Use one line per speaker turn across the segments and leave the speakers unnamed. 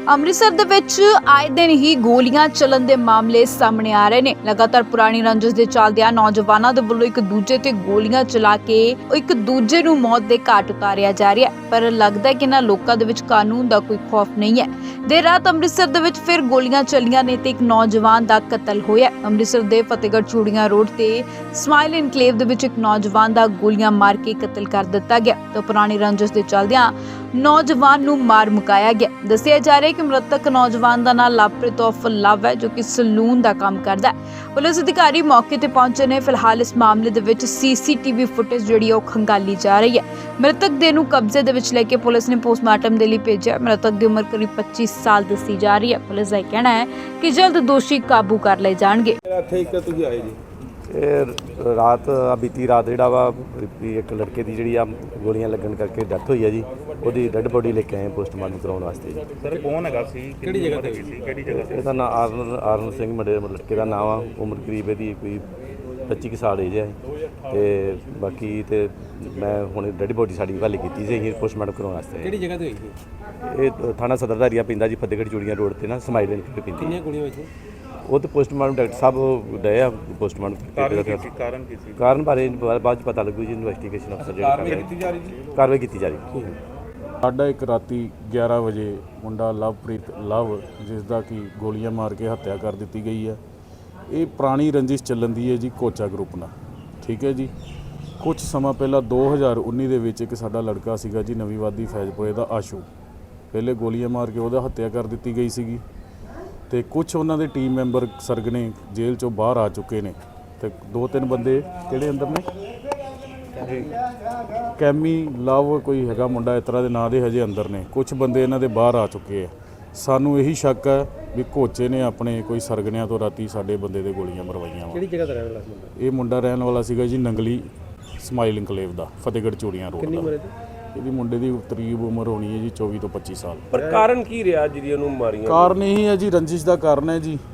ਅੰਮ੍ਰਿਤਸਰ ਦੇ ਵਿੱਚ ਆਏ ਦਿਨ ਹੀ ਗੋਲੀਆਂ ਚੱਲਣ ਦੇ ਮਾਮਲੇ ਸਾਹਮਣੇ ਆ ਰਹੇ ਨੇ। ਲਗਾਤਾਰ ਪੁਰਾਣੀ ਰੰਜਿਸ਼ ਦੇ ਚੱਲਦਿਆਂ ਨੌਜਵਾਨਾਂ ਦੇ ਵੱਲੋਂ ਇੱਕ ਦੂਜੇ ਤੇ ਗੋਲੀਆਂ ਚਲਾ ਕੇ ਇੱਕ ਦੂਜੇ ਨੂੰ ਮੌਤ ਦੇ ਘਾਟ ਉਤਾਰਿਆ ਜਾ ਰਿਹਾ ਹੈ। ਪਰ ਲੱਗਦਾ ਹੈ ਕਿ ਇਹਨਾਂ ਲੋਕਾਂ ਦੇ ਵਿੱਚ ਕਾਨੂੰਨ ਦਾ ਕੋਈ ਖੌਫ ਨਹੀਂ ਹੈ। ਦੇਰ ਰਾਤ ਅੰਮ੍ਰਿਤਸਰ ਦੇ ਵਿੱਚ ਫਿਰ ਗੋਲੀਆਂ ਚੱਲੀਆਂ ਨੇ ਤੇ ਇੱਕ ਨੌਜਵਾਨ ਦਾ ਕਤਲ ਹੋਇਆ। ਅੰਮ੍ਰਿਤਸਰ ਦੇ ਫਤਿਹਗੜ੍ਹ ਚੂੜੀਆਂ ਰੋਡ ਤੇ ਸਮਾਈਲ ਇਨਕਲੇਵ ਦੇ ਵਿੱਚ ਇੱਕ ਨੌਜਵਾਨ ਦਾ ਗੋਲੀਆਂ ਮਾਰ ਕੇ ਕਤਲ ਕਰ ਦਿੱਤਾ ਗਿਆ। ਤਾਂ ਪੁਰਾਣੀ ਰੰਜਿਸ਼ ਦੇ ਚੱਲਦਿਆਂ ਨੌਜਵਾਨ ਨੂੰ ਮਾਰ ਮੁਕਾਇਆ ਗਿਆ। ਦੱਸਿਆ ਜਾ ਰਿਹਾ ਹੈ ਕਿ ਮ੍ਰਿਤਕ ਨੌਜਵਾਨ ਦਾ ਨਾਮ ਲਵਪ੍ਰੀਤ ਉਰਫ ਲਵ ਹੈ, ਜੋ ਕਿ ਸਲੂਨ ਦਾ ਕੰਮ ਕਰਦਾ ਹੈ। ਪੁਲਿਸ ਅਧਿਕਾਰੀ ਮੌਕੇ ਤੇ ਪਹੁੰਚੇ ਨੇ। ਫਿਲਹਾਲ ਇਸ ਮਾਮਲੇ ਦੇ ਵਿੱਚ ਸੀਸੀਟੀਵੀ ਫੁਟੇਜ ਜਿਹੜੀ ਉਹ ਖੰਗਾਲੀ ਜਾ ਰਹੀ ਹੈ। ਮ੍ਰਿਤਕ ਦੇਹ ਨੂੰ ਕਬਜ਼ੇ ਦੇ ਵਿੱਚ ਲੈ ਕੇ ਪੁਲਿਸ ਨੇ ਪੋਸਟਮਾਰਟਮ ਦੇ ਲਈ ਭੇਜਿਆ। ਮ੍ਰਿਤਕ ਦੀ ਉਮਰ ਕਰੀਬ 25 ਸਾਲ ਦੱਸੀ ਜਾ ਰਹੀ ਹੈ। ਪੁਲਿਸ ਦਾ ਕਹਿਣਾ ਹੈ ਕਿ ਜਲਦ ਦੋਸ਼ੀ ਕਾਬੂ ਕਰ ਲਏ ਜਾਣਗੇ।
ਰਾਤ ਬੀਤੀ ਰਾਤ ਜਿਹੜਾ ਵਾ ਇੱਕ ਲੜਕੇ ਦੀ ਜਿਹੜੀ ਆ ਗੋਲੀਆਂ ਲੱਗਣ ਕਰਕੇ ਡੈਥ ਹੋਈ ਹੈ ਜੀ। ਉਹਦੀ ਡੈੱਡ ਬੋਡੀ ਲੈ ਕੇ ਆਏ ਪੋਸਟਮਾਰਟਮ ਕਰਾਉਣ ਵਾਸਤੇ ਜੀ।
ਸਰ ਕੌਣ ਹੈਗਾ ਸੀ, ਕਿਹੜੀ ਜਗ੍ਹਾ ਤੇ ਸੀ, ਕਿਹੜੀ ਜਗ੍ਹਾ ਤੇ?
ਇਹਦਾ ਨਾਮ ਆਰਨ ਸਿੰਘ ਲੜਕੇ ਦਾ ਨਾਮ ਆ। ਉਮਰ ਕਰੀਬ ਇਹਦੀ ਕੋਈ 25 ਸਾਲ ਏਜ ਹੈ। ਤੇ ਬਾਕੀ ਤੇ ਮੈਂ ਹੁਣ ਡੈੱਡ ਬੋਡੀ ਸਾਡੀ ਹਵਾਲੇ ਕੀਤੀ ਸੀ ਅਸੀਂ ਪੋਸਟਮਾਰਟਮ ਕਰਾਉਣ ਵਾਸਤੇ।
ਕਿਹੜੀ ਜਗ੍ਹਾ ਤੇ ਹੋਈ ਸੀ?
ਇਹ ਥਾਣਾ ਸਦਰਦਾਰੀਆ ਪੈਂਦਾ ਜੀ, ਫਤਿਹਗੜ੍ਹ ਚੂੜੀਆਂ ਰੋਡ ਤੇ ਨਾ ਸਮਾਈਲ ਇਨਕਲੇਵ ਪੈਂਦੀ।
ਕਿੰਨੀਆਂ ਗੋਲੀਆਂ ਵਿੱਚ?
ਉਹ ਤਾਂ ਪੋਸਟਮਾਰਟਮ ਡਾਕਟਰ ਸਾਹਿਬ ਗਏ ਆ ਪੋਸਟਮਾਰਟਮ।
ਕਾਰਨ ਕੀ ਸੀ?
ਕਾਰਨ ਬਾਰੇ ਬਾਅਦ ਚ ਪਤਾ ਲੱਗੂ ਜੀ। ਇਨਵੈਸਟੀਗੇਸ਼ਨ ਅਫਸਰ ਜਿਹੜੇ
ਕਾਰਵਾਈ ਕੀਤੀ ਜਾ ਰਹੀ ਜੀ।
ਕਾਰਵਾਈ ਕੀਤੀ ਜਾ ਰਹੀ ਹੈ।
ਸਾਡਾ ਇੱਕ ਰਾਤੀ 11 ਵਜੇ ਮੁੰਡਾ ਲਵਪ੍ਰੀਤ ਲਵ, ਜਿਸ ਦਾ ਕਿ ਗੋਲੀਆਂ ਮਾਰ ਕੇ ਹੱਤਿਆ ਕਰ ਦਿੱਤੀ ਗਈ ਹੈ। ਇਹ ਪੁਰਾਣੀ ਰੰਜਿਸ਼ ਚੱਲਣ ਦੀ ਹੈ ਜੀ ਕੋਚਾ ਗਰੁੱਪ ਨਾਲ। ਠੀਕ ਹੈ ਜੀ। ਕੁਝ ਸਮਾਂ ਪਹਿਲਾਂ 2019 ਦੇ ਵਿੱਚ ਇੱਕ ਸਾਡਾ ਲੜਕਾ ਸੀਗਾ ਜੀ ਨਵੀਂ ਵਾਦੀ ਫੈਜ਼ਪੁਰੇ ਦਾ ਆਸ਼ੂ, ਪਹਿਲੇ ਗੋਲੀਆਂ ਮਾਰ ਕੇ ਉਹਦਾ ਹੱਤਿਆ ਕਰ ਦਿੱਤੀ ਗਈ ਸੀਗੀ। ਤੇ ਕੁਝ ਉਹਨਾਂ ਦੇ ਟੀਮ ਮੈਂਬਰ ਸਰਗਨੇ ਜੇਲ੍ਹ ਚੋਂ ਬਾਹਰ ਆ ਚੁੱਕੇ ਨੇ। ਤੇ 2-3 ਬੰਦੇ ਕਿਹੜੇ ਅੰਦਰ ਨੇ, ਕੈਮੀ ਲਵ ਕੋਈ ਹੈਗਾ ਮੁੰਡਾ ਇਸ ਤਰ੍ਹਾਂ ਦੇ ਨਾਂ ਦੇ ਹਜੇ ਅੰਦਰ ਨੇ। ਕੁਝ ਬੰਦੇ ਇਹਨਾਂ ਦੇ ਬਾਹਰ ਆ ਚੁੱਕੇ ਆ। ਸਾਨੂੰ ਇਹੀ ਸ਼ੱਕ ਹੈ ਵੀ ਕੋਚੇ ਨੇ ਆਪਣੇ ਕੋਈ ਸਰਗਨਿਆਂ ਤੋਂ ਰਾਤੀ ਸਾਡੇ ਬੰਦੇ ਦੇ ਗੋਲੀਆਂ ਮਰਵਾਈਆਂ ਵਾ।
ਕਿਹੜੀ ਜਗ੍ਹਾ ਤੇ ਰਹਿਣ ਵਾਲਾ ਸੀ ਮੁੰਡਾ?
ਇਹ ਮੁੰਡਾ ਰਹਿਣ ਵਾਲਾ ਸੀਗਾ ਜੀ ਨੰਗਲੀ ਸਮਾਈਲ ਇਨਕਲੇਵ ਦਾ, ਫਤਿਹਗੜ੍ਹ ਚੂੜੀਆਂ ਰੋਡ
ਕਿੰਨੀ
ਦਾ।
ਉਮਰ ਹੈ?
ਇਹਦੀ ਮੁੰਡੇ ਦੀ ਕਰੀਬ ਉਮਰ ਹੋਣੀ ਹੈ ਜੀ 24 ਤੋਂ 25 ਸਾਲ।
ਪਰ ਕਾਰਨ ਕੀ ਰਿਹਾ ਜਿਹੜੀ ਉਹਨੂੰ ਮਾਰੀਆਂ?
ਕਾਰਨ ਇਹੀ ਹੈ ਜੀ, ਰੰਜਿਸ਼ ਦਾ ਕਾਰਨ ਹੈ ਜੀ।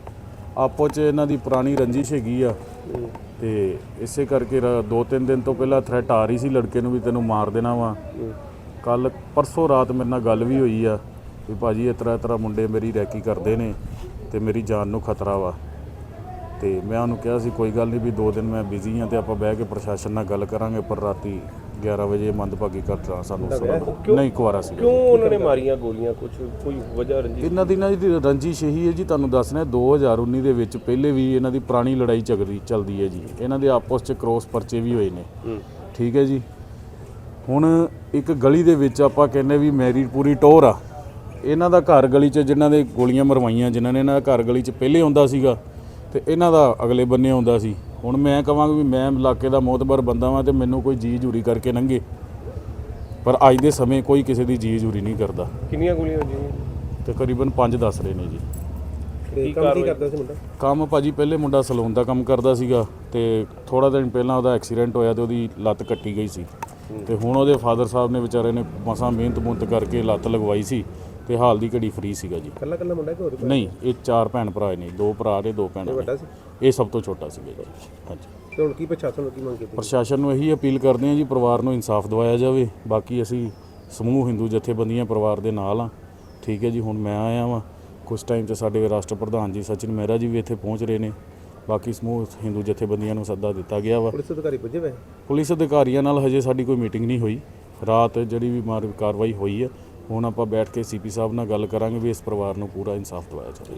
ਆਪੋ 'ਚ ਇਹਨਾਂ ਦੀ ਪੁਰਾਣੀ ਰੰਜਿਸ਼ ਹੈਗੀ ਆ। ਤੇ ਇਸੇ ਕਰਕੇ 2-3 ਦਿਨ ਤੋਂ ਪਹਿਲਾਂ ਥ੍ਰੈਟ ਆ ਰਹੀ ਸੀ ਲੜਕੇ ਨੂੰ ਵੀ ਤੈਨੂੰ ਮਾਰ ਦੇਣਾ ਵਾ। ਕੱਲ ਪਰਸੋਂ ਰਾਤ ਮੇਰੇ ਨਾਲ ਗੱਲ ਵੀ ਹੋਈ ਆ ਵੀ ਭਾਜੀ ਇਸ ਤਰ੍ਹਾਂ ਮੁੰਡੇ ਮੇਰੀ ਰੈਕੀ ਕਰਦੇ ਨੇ ਤੇ ਮੇਰੀ ਜਾਨ ਨੂੰ ਖਤਰਾ ਵਾ। ਤੇ ਮੈਂ ਉਹਨੂੰ ਕਿਹਾ ਸੀ ਕੋਈ ਗੱਲ ਨਹੀਂ ਵੀ 2 ਦਿਨ ਮੈਂ ਬਿਜ਼ੀ ਹਾਂ ਤੇ ਆਪਾਂ ਬਹਿ ਕੇ ਪ੍ਰਸ਼ਾਸਨ ਨਾਲ ਗੱਲ ਕਰਾਂਗੇ। ਪਰ ਰਾਤੀ 11 ਵਜੇ ਮੰਦਭਾਗੀ ਘਟਨਾ ਸਾਨੂੰ ਨਹੀਂ ਕੁਆਰਾ ਸੀ।
ਕਿਉਂ ਉਹਨਾਂ ਨੇ ਮਾਰੀਆਂ ਗੋਲੀਆਂ? ਕੋਈ ਵਜ੍ਹਾ ਰੰਜਿਸ਼?
ਇਹਨਾਂ ਦੀ ਨਾ ਜੀ ਰੰਜਿਸ਼ ਇਹੀ ਹੈ ਜੀ, ਤੁਹਾਨੂੰ ਦੱਸਣਾ 2019 ਦੇ ਵਿੱਚ ਪਹਿਲੇ ਵੀ ਇਹਨਾਂ ਦੀ ਪੁਰਾਣੀ ਲੜਾਈ ਚੱਲਦੀ ਹੈ ਜੀ। ਇਹਨਾਂ ਦੇ ਆਪਸ 'ਚ ਕ੍ਰੋਸ ਪਰਚੇ ਵੀ ਹੋਏ ਨੇ। ਠੀਕ ਹੈ ਜੀ। ਹੁਣ ਇੱਕ ਗਲੀ ਦੇ ਵਿੱਚ ਆਪਾਂ ਕਹਿੰਦੇ ਵੀ ਮੇਰੀ ਪੂਰੀ ਟੋਰ ਆ। ਇਹਨਾਂ ਦਾ ਘਰ ਗਲੀ 'ਚ ਜਿਨ੍ਹਾਂ ਦੇ ਗੋਲੀਆਂ ਮਰਵਾਈਆਂ, ਜਿਨ੍ਹਾਂ ਨੇ ਇਹਨਾਂ ਦਾ ਘਰ ਗਲੀ 'ਚ ਪਹਿਲੇ ਆਉਂਦਾ ਸੀਗਾ ਤੇ ਇਹਨਾਂ ਦਾ ਅਗਲੇ ਬੰਨੇ ਆਉਂਦਾ ਸੀ। ਹੁਣ ਮੈਂ ਕਹਾਂਗਾ ਵੀ ਮੈਂ ਇਲਾਕੇ ਦਾ ਮੋਤਬਰ ਬੰਦਾ ਵਾਂ ਤੇ ਮੈਨੂੰ ਕੋਈ ਜੀ ਹਜ਼ੂਰੀ ਕਰਕੇ ਲੰਘੇ, ਪਰ ਅੱਜ ਦੇ ਸਮੇਂ ਕੋਈ ਕਿਸੇ ਦੀ ਜੀ ਹਜ਼ੂਰੀ ਨਹੀਂ ਕਰਦਾ।
ਕਿੰਨੀਆਂ ਗੋਲੀਆਂ ਵੱਜੀਆਂ?
ਤਕਰੀਬਨ 5 ਦੱਸ ਰਹੇ ਨੇ ਜੀ।
ਕੀ ਕਰਦਾ ਸੀ ਮੁੰਡਾ?
ਕੰਮ ਭਾਜੀ ਪਹਿਲੇ ਮੁੰਡਾ ਸਲੂਨ ਦਾ ਕੰਮ ਕਰਦਾ ਸੀਗਾ ਤੇ ਥੋੜਾ ਦਿਨ ਪਹਿਲਾਂ ਉਹਦਾ ਐਕਸੀਡੈਂਟ ਹੋਇਆ ਤੇ ਉਹਦੀ ਲੱਤ ਕੱਟੀ ਗਈ ਸੀ। ਤੇ ਹੁਣ ਉਹਦੇ ਫਾਦਰ ਸਾਹਿਬ ਨੇ ਵਿਚਾਰੇ ਨੇ ਮਸਾਂ ਮਿਹਨਤ ਕਰਕੇ ਲੱਤ ਲਗਵਾਈ ਸੀ ਤੇ ਹਾਲ ਦੀ ਘੜੀ ਫਰੀ ਸੀਗਾ ਜੀ।
ਕੱਲਾ ਮੁੰਡਾ ਕਿ ਹੋਰ?
ਨਹੀਂ, ਇਹ 4 ਭੈਣ ਭਰਾ ਨੇ, 2 ਭਰਾ ਨੇ 2 ਭੈਣਾਂ ਨੇ। ਇਹ ਸਭ ਤੋਂ ਛੋਟਾ ਸੀਗਾ ਜੀ। ਹਾਂਜੀ।
ਤੇ ਹੁਣ ਕੀ ਪ੍ਰਸ਼ਾਸਨ ਨੂੰ ਕੀ ਮੰਗ ਕੀਤੀ?
ਪ੍ਰਸ਼ਾਸਨ ਨੂੰ ਇਹੀ ਅਪੀਲ ਕਰਦੇ ਹਾਂ ਜੀ ਪਰਿਵਾਰ ਨੂੰ ਇਨਸਾਫ ਦਿਵਾਇਆ ਜਾਵੇ। ਬਾਕੀ ਅਸੀਂ ਸਮੂਹ ਹਿੰਦੂ ਜਥੇਬੰਦੀਆਂ ਪਰਿਵਾਰ ਦੇ ਨਾਲ ਆ। ਠੀਕ ਹੈ ਜੀ। ਹੁਣ ਮੈਂ ਆਇਆ ਵਾਂ, ਕੁਝ ਟਾਈਮ 'ਚ ਸਾਡੇ ਰਾਸ਼ਟਰ ਪ੍ਰਧਾਨ ਜੀ ਸਚਿਨ ਮਹਿਰਾ ਜੀ ਵੀ ਇੱਥੇ ਪਹੁੰਚ ਰਹੇ ਨੇ। ਬਾਕੀ ਸਮੂਹ ਹਿੰਦੂ ਜਥੇਬੰਦੀਆਂ ਨੂੰ ਸੱਦਾ ਦਿੱਤਾ ਗਿਆ ਵਾ।
ਪੁਲਿਸ ਅਧਿਕਾਰੀ ਪੁੱਜੇ ਵੇ?
ਪੁਲਿਸ ਅਧਿਕਾਰੀਆਂ ਨਾਲ ਹਜੇ ਸਾਡੀ ਕੋਈ ਮੀਟਿੰਗ ਨਹੀਂ ਹੋਈ। ਰਾਤ ਜਿਹੜੀ ਵੀ ਕਾਰਵਾਈ ਹੋਈ ਹੈ, ਹੁਣ ਆਪਾਂ ਬੈਠ ਕੇ CP ਸਾਹਿਬ ਨਾਲ ਗੱਲ ਕਰਾਂਗੇ ਵੀ ਇਸ ਪਰਿਵਾਰ ਨੂੰ ਪੂਰਾ ਇਨਸਾਫ ਦਿਵਾਇਆ ਜਾਵੇ।